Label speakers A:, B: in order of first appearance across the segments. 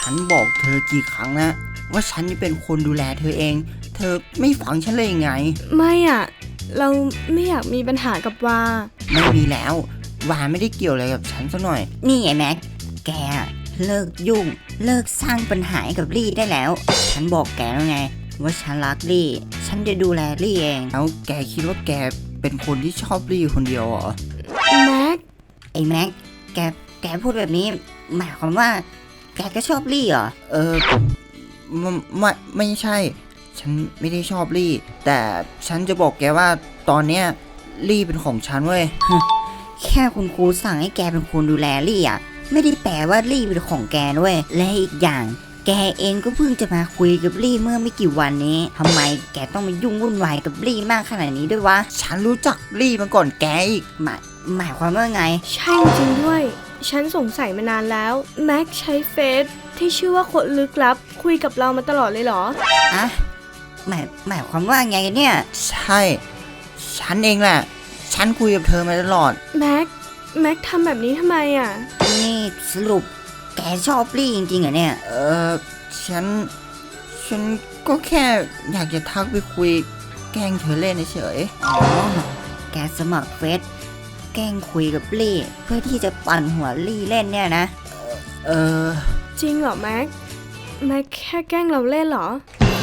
A: ฉันบอกเธอกี่ครั้งนะว่าฉันจะเป็นคนดูแลเธอเองเธอไม่ฟังฉันเลยยังไง
B: ไม่อ่ะเราไม่อยากมีปัญหากับวา
A: ไม่มีแล้ววาไม่ได้เกี่ยวอะไรกับฉันสักหน่อยนี่ไงแม็กแกเลิกยุ่งเลิกสร้างปัญหากับลี่ได้แล้วฉันบอกแกแล้วไงว่าฉันรักลี่ฉันจะดูแลลี่เองแล้วแกคิดว่าแกเป็นคนที่ชอบลี่คนเดียวเหรอ
B: แม็ก
A: ไอ้แม็กแกพูดแบบนี้หมายความว่าแกก็ชอบลี่เหรอไม่ใช่ฉันไม่ได้ชอบลี่แต่ฉันจะบอกแกว่าตอนเนี้ยลี่เป็นของฉันเว้ยแค่คุณครูสั่งให้แกเป็นคนดูแลลี่อ่ะไม่ได้แปลว่าลี่เป็นของแกด้วยและอีกอย่างแกเองก็เพิ่งจะมาคุยกับลี่เมื่อไม่กี่วันนี้ทำไมแกต้องมายุ่งวุ่นวายกับลี่มากขนาดนี้ด้วยวะฉันรู้จักลี่มาก่อนแกอีกหมายความว่าไง
B: ใช่จริงด้วยฉันสงสัยมานานแล้วแม็กใช้เฟซที่ชื่อว่าคนลึกลับคุยกับเรามาตลอดเลยเหรอ
A: อะหมายความว่าไงเนี่ยใช่ฉันเองแหละฉันคุยกับเธอมาตลอด
B: แม็กทำแบบนี้ทำไมอ่ะ
A: นี่สรุปแกชอบลี่จริงๆเหรอเนี่ยฉันก็แค่อยากจะทักไปคุยแกล้งเธอเล่นเฉยอ๋อแกสมัครเฟซแกล้งคุยกับลี่เพื่อที่จะปั่นหัวลี่เล่นเนี่ยนะ
B: จริงเหรอแม็กแค่แกล้งเราเล่นเหรอ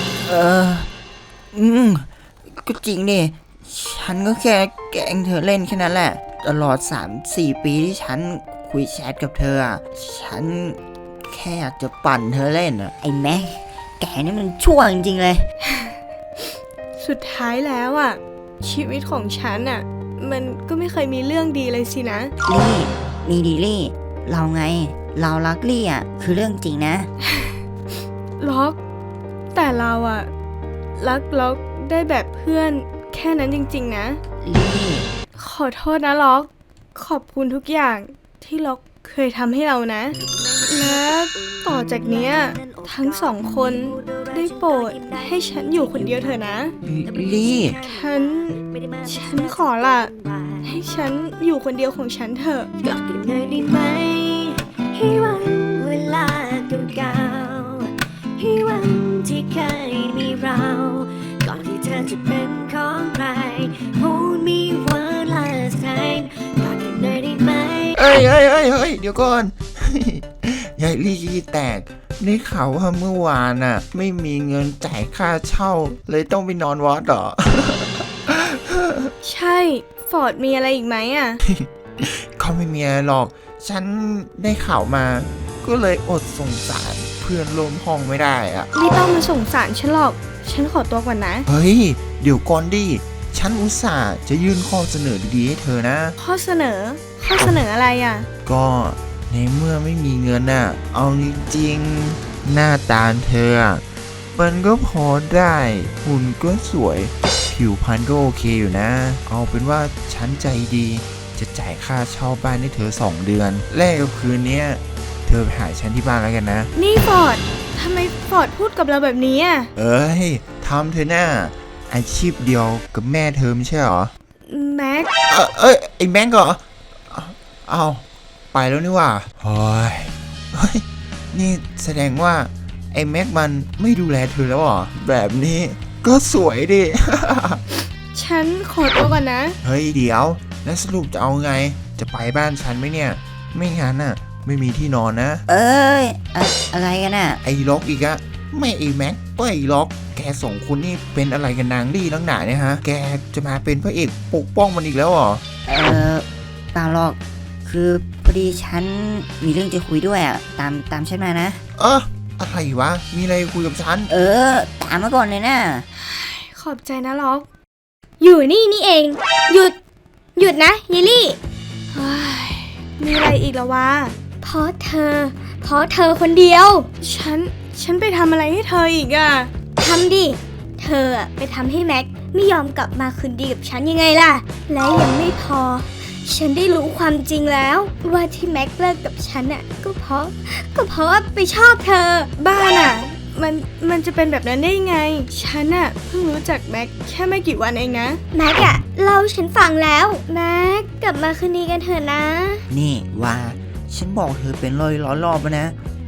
A: ก็จริงดิฉันก็แค่แกล้งเธอเล่นแค่นั้นแหละตลอด 3-4 ปีที่ฉันคุยแชทกับเธอฉันแค่อยากจะปั่นเธอเล่นไอ้แม็กแกนี่มันชั่วจริงๆเลย
B: สุดท้ายแล้วอ่ะชีวิตของฉันอ่ะมันก็ไม่เคยมีเรื่องดีเลยสินะ
A: ลี่มีดีลี่เราไงเรารักลี่อ่ะคือเรื่องจริงนะ
B: ล็อกแต่เราอ่ะรักล็อกได้แบบเพื่อนแค่นั้นจริงๆนะ
A: ลี่
B: ขอโทษนะล็อกขอบคุณทุกอย่างที่ล็อกเคยทำให้เรานะและต่อจากเนี้ยทั้งสองคนได้โปรดให้ฉันอยู่คนเดียวเถอะนะ
A: ลี่
B: ฉันขอละให้ฉันอยู่คนเดียวของฉันเถอะ
C: กลับไปหน่อยได้ไหมให้วันเวลาเก่าๆให้วันที่เคยมีเราก่อนที่เธอจะเป็นของใคร Hold me one last time กลับไปหน่อยได้ไหม
D: เฮ้ยเดี๋ยวก่อนยายลี่ขี้แตกได้ข่าวว่าเมื่อวานน่ะไม่มีเงินจ่ายค่าเช่าเลยต้องไปนอนวัดเหรอ
B: ใช่ฟอร์ดมีอะไรอีกไหมอ่ะ
D: ก็ไม่มีอะไรหรอกฉันได้ข่าวมาก็เลยอดสงสารเพื่อนร่วมห้องไม่ได้อะ
B: ไม่ต้องมาสงสารฉันหรอกฉันขอตัวก่อนนะ
D: เฮ้ยเดี๋ยวก่อนดิฉันอุตส่าห์จะยื่นข้อเสนอดีๆให้เธอนะ
B: ข้อเสนออะไรอ่ะ
D: ก็ในเมื่อไม่มีเงินน่ะเอาจริงๆหน้าตาเธอมันก็พอได้หุ่นก็สวยผิวพรรณก็โอเคอยู่นะเอาเป็นว่าฉันใจดีจะจ่ายค่าเช่าบ้านให้เธอ2 เดือนแลกกับคืนนี้เธอไปหาฉันที่บ้านแล้วกันนะ
B: นี่ฟอร์ดทำไมฟอร์ดพูดกับเราแบบนี้อ่ะ
D: เอ้ยทำเธอหน้าอาชีพเดียวกับแม่เธอไม่ใช่หรอ
B: แม็ก
D: ไอ้แม็กเหรอเอาไปแล้วนี่ว่าเฮ้ยนี่แสดงว่าไอ้แม็กมันไม่ดูแลเธอแล้วเหรอแบบนี้ก็สวยดิ
B: ฉันขอตัวก่อนนะ
D: เฮ้ยเดี๋ยวแล้วสรุปจะเอาไงจะไปบ้านฉันไหมเนี่ยไม่งั้นน่ะไม่มีที่นอนนะ
A: อะไรกันน่ะ
D: ไอ้ล็อกอีกอะไม่ไอ้แม็กก็ไอ้ล็อกแก2 คนนี่เป็นอะไรกันนางลี่ตั้งหนาเนี่ยฮะแกจะมาเป็นพระเอกปกป้องมันอีกแล้วเหรอ
A: เปล่าหรอกคือพอดีฉันมีเรื่องจะคุยด้วยอ่ะตามฉันมานะ
D: อะไรวะมีอะไรคุยกับฉัน
A: ตามมาก่อนเลยนะ
B: ขอบใจนะล็อกอยู่นี่เองหยุดนะเยลลี่มีอะไรอีกละวะเพราะเธอคนเดียวฉันไปทำอะไรให้เธออีกอ่ะ
C: ทำดิเธอไปทำให้แม็กไม่ยอมกลับมาคืนดีกับฉันยังไงล่ะและยังไม่พอฉันได้รู้ความจริงแล้วว่าที่แม็กเลิกกับฉันก็เพราะว่าไปชอบเธอ
B: บ้าน่ะมันจะเป็นแบบนั้นได้ไงฉันเพิ่งรู้จักแม็กแค่ไม่กี่วันเองนะ
C: แม็กเล่าฉันฟังแล้วแม็กกลับมาคืนดีกันเถอะนะ
A: นี่ว่าฉันบอกเธอเป็นร้อยรอบแล้วนะ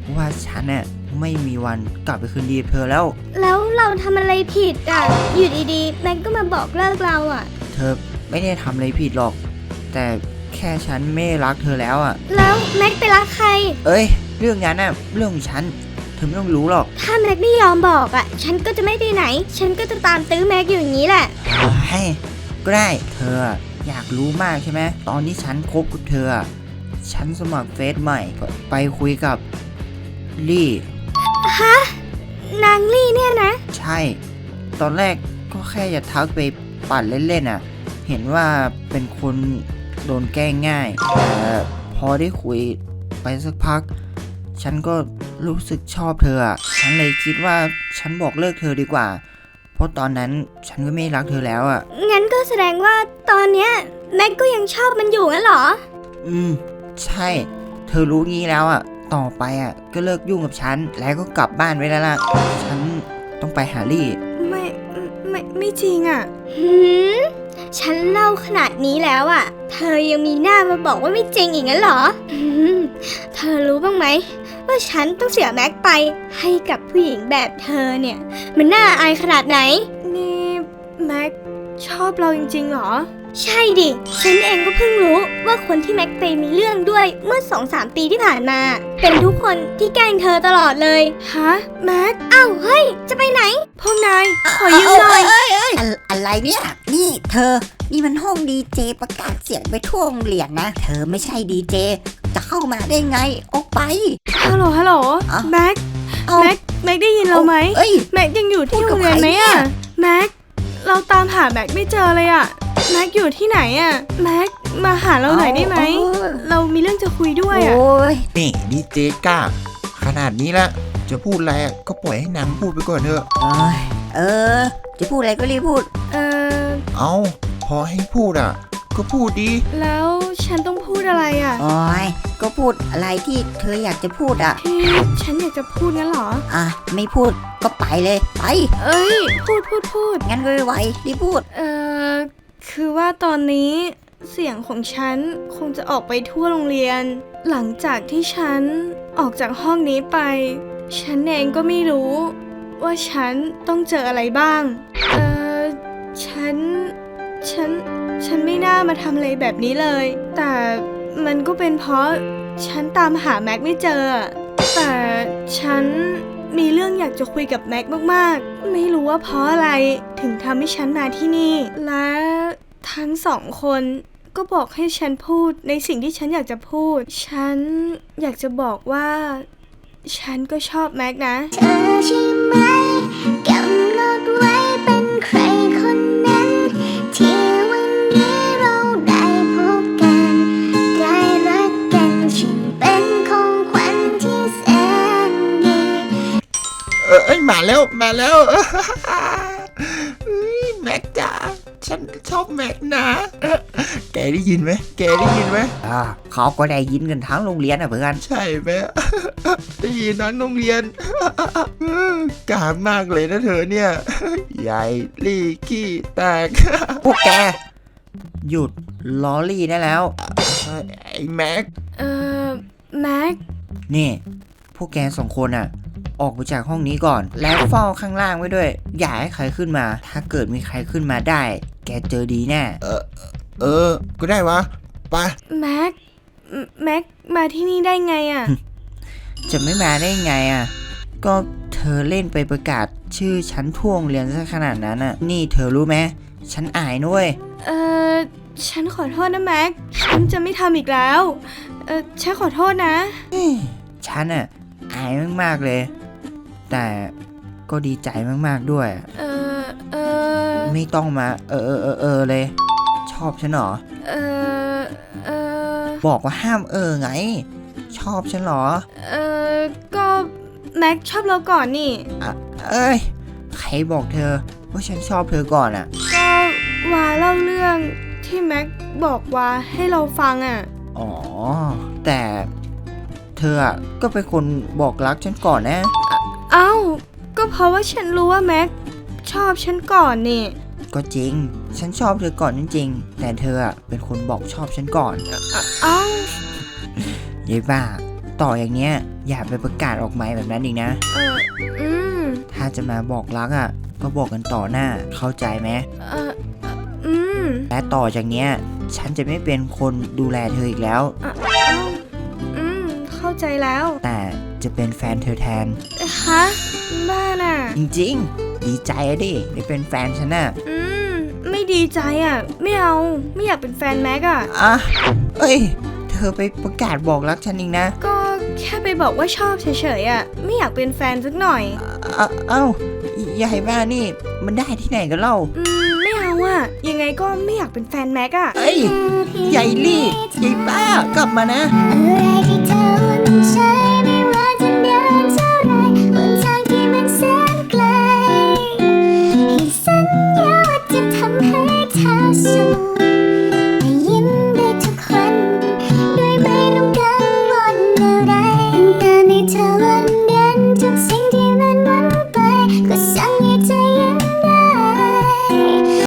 A: ว่าฉันน่ะไม่มีวันกลับไปคืนดีกับเธอแล้ว
B: แล้วเราทำอะไรผิดอ่ะ อยู่ดีๆแม็กก็มาบอกเลิกเราอ่ะ
A: เธอไม่ได้ทำอะไรผิดหรอก แต่แค่ฉันไม่รักเธอแล้วอ่ะ
B: แล้วแม็กไปรักใคร
A: เอ้ยเรื่องนั้นน่ะเรื่องของฉันเธอไม่ต้องรู้หรอก
B: ถ้าแม็กไม่ยอมบอกอ่ะ ฉันก็จะไม่ไปไหน ฉันก็จะตามตื้อแม็กอยู่อย่างนี้แหละ
A: ให้ก็ได้เธออยากรู้มากใช่ไหมตอนที่ฉันคบกับเธอฉันสมัครเฟซใหม่ไปคุยกับลี่
B: นางลี่เนี่ยนะ
A: ใช่ ตอนแรกก็แค่จะทักไปปั่นเล่นๆเห็นว่าเป็นคนโดนแกล้งง่ายแต่พอได้คุยไปสักพัก ฉันก็รู้สึกชอบเธอฉันเลยคิดว่าฉันบอกเลิกเธอดีกว่า เพราะตอนนั้นฉันก็ไม่รักเธอแล้ว
B: งั้นก็แสดงว่าตอนเนี้ยแม็กก็ยังชอบมันอยู่งั้นเหรอ
A: ใช่ เธอรู้งี้แล้วต่อไปก็เลิกยุ่งกับฉันแล้วก็กลับบ้านไว้แล้วล่ะ ฉันต้องไปหาลี่
B: ไม่จริงอ่ะฉันเล่าขนาดนี้แล้วอ่ะ เธอยังมีหน้ามาบอกว่าไม่จริงอีกงั้นเหรอเธอรู้บ้างไหมว่าฉันต้องเสียแม็กไปให้กับผู้หญิงแบบเธอเนี่ยมันน่าอายขนาดไหนนี่แม็กชอบเราจริงๆหรอใช่ดิฉันเองก็เพิ่งรู้ว่าคนที่แม็กไปมีเรื่องด้วยเมื่อ 2-3 ปีที่ผ่านมาเป็นทุกคนที่แกล้งเธอตลอดเลยฮะแม็กอ้าวเฮ้ยจะไปไหนพวกนายขอยืมหน่อย
E: อะไรเนี่ย นี่เธอ นี่มันห้องดีเจประกาศเสียงไปทั่วโรงเรียนนะ เธอไม่ใช่ดีเจ จะเข้ามาได้ไง ออกไป
B: ฮัลโหล
E: อ่ะ
B: แม็ก
E: เอา
B: แม็กได้ยินเราไหม
E: เอ้ย
B: แม็กยังอยู่ที่
E: พูด
B: โร
E: กับ
B: งเรียน
E: ใคร
B: ไหม
E: เนี่
B: อะ
E: ย
B: แม็กเราตามหาแม็กไม่เจอเลยอะแม็กอยู่ที่ไหนอะแม็กมาหาเราหน่อยได้ไหม เรามีเรื่องจะคุยด้วยอะ
E: โอ้ย
D: นี่ดีเจก้า ขนาดนี้ละจะพูดอะไรก็ปล่อยให้นางพูดไปก่อนเถอะ
E: เออ จะพูดอะไรก็รีบพูด
D: เอาพอให้พูดก็พูดดี
B: แล้วฉันต้องพูดอะไรอะ
E: โอ้ย ก็พูดอะไรที่เธออยากจะพูด
B: ที่ฉันอยากจะพูดงั้นเหรอ
E: ไม่พูดก็ไปเลย ไป
B: เอ้ยพูด
E: งั้นก็ไวๆรีบพูด
B: คือว่าตอนนี้เสียงของฉันคงจะออกไปทั่วโรงเรียน หลังจากที่ฉันออกจากห้องนี้ไป ฉันเองก็ไม่รู้ว่าฉันต้องเจออะไรบ้าง ฉันไม่น่ามาทำอะไรแบบนี้เลย แต่มันก็เป็นเพราะฉันตามหาแม็กไม่เจอ แต่ฉันมีเรื่องอยากจะคุยกับแม็กมากๆ ไม่รู้ว่าเพราะอะไรถึงทำให้ฉันมาที่นี่ และทั้งสองคนก็บอกให้ฉันพูดในสิ่งที่ฉันอยากจะพูด ฉันอยากจะบอกว่า ฉันก็ชอบแม็กนะ
C: เธอใช่ไหมกำหนดไว้เป็นใครคนนั้น ที่วันนี้เราได้พบกันได้รักกันฉันเป็นของขวัญที่แสนดี
D: เอ้ยมาแล้วเฮ้ยแม็กจ๋าฉันชอบแม็กนะแกได้ยินไหม
A: เขาก็ได้ยินกันทั้งโรงเรียนเพื่อน
D: ใช่ไหม ได้ยินทั้งโรงเรียน กล้ามากเลยนะเธอเนี่ย ใหญ่ลี่ขี้แตก
A: พวกแก หยุดล้อลี่ได้แล้ว
D: ไอ้แม็ก
B: แม็ก
A: นี่พวกแกสองคนออกไปจากห้องนี้ก่อน แล้วเฝ้าข้างล่างไว้ด้วย อย่าให้ใครขึ้นมา ถ้าเกิดมีใครขึ้นมาได้ แกเจอดีแน่
D: ก็ได้วะไป
B: แม็กมาที่นี่ได้ไงอะ
A: จะไม่มาได้ไงก็เธอเล่นไปประกาศชื่อฉันทั่วโรงเรียนซะขนาดนั้นนี่เธอรู้ไหมฉันอายนุ้ย
B: ฉันขอโทษนะแม็ก ฉันจะไม่ทำอีกแล้ว ฉันขอโทษนะ
A: ฉันอายมากๆเลย แต่ก็ดีใจมากๆด้วย ไม่ต้องมาเลย ชอบฉันเหรอ บอกว่าห้ามไง ชอบฉันเหรอ
B: ก็แม็กชอบเราก่อนนี่
A: เอ้ยใครบอกเธอว่าฉันชอบเธอก่อน
B: ก็วาเล่าเรื่องที่แม็กบอกวาให้เราฟัง
A: อ๋อแต่เธอก็เป็นคนบอกรักฉันก่อนนะ
B: เอ้าก็เพราะว่าฉันรู้ว่าแม็กชอบฉันก่อนนี่
A: ก็จริงฉันชอบเธอก่อนจริงๆแต่เธอเป็นคนบอกชอบฉันก่อน
B: เอ้า
A: ยายบ้าต่ออย่างเนี้ยอย่าไปประกาศออกไมค์แบบนั้นอีกนะ
B: อืม
A: ถ้าจะมาบอกรักอ่ะ ก็บอกกันต่อหน้า เข้าใจไหม
B: อืม
A: และต่อจากเนี้ย ฉันจะไม่เป็นคนดูแลเธออีกแล้ว
B: เข้าใจแล้ว
A: แต่จะเป็นแฟนเธอแทน
B: ฮะ บ้าน่ะ
A: จริงๆ ดีใจอะดิได้เป็นแฟนฉันน่ะ
B: ไม่ดีใจอ่ะ ไม่เอา ไม่อยากเป็นแฟนแม็กอ่ะ
A: อ่ะเอ้ย เธอไปประกาศบอกรักฉันอีกนะ
B: ก็แค่ไปบอกว่าชอบเฉยๆอ่ะ ไม่อยากเป็นแฟนสักหน่อย
A: เอ้าใหญ่บ้านี่ มันได้ที่ไหนกันเล่า
B: ไม่เอาอ่ะ ยังไงก็ไม่อยากเป็นแฟนแม็กอ่ะ
A: เอ้ย ใหญ่ลี่ใหญ่บ้ากลับมานะ
C: อะไรที่เธอหวั่น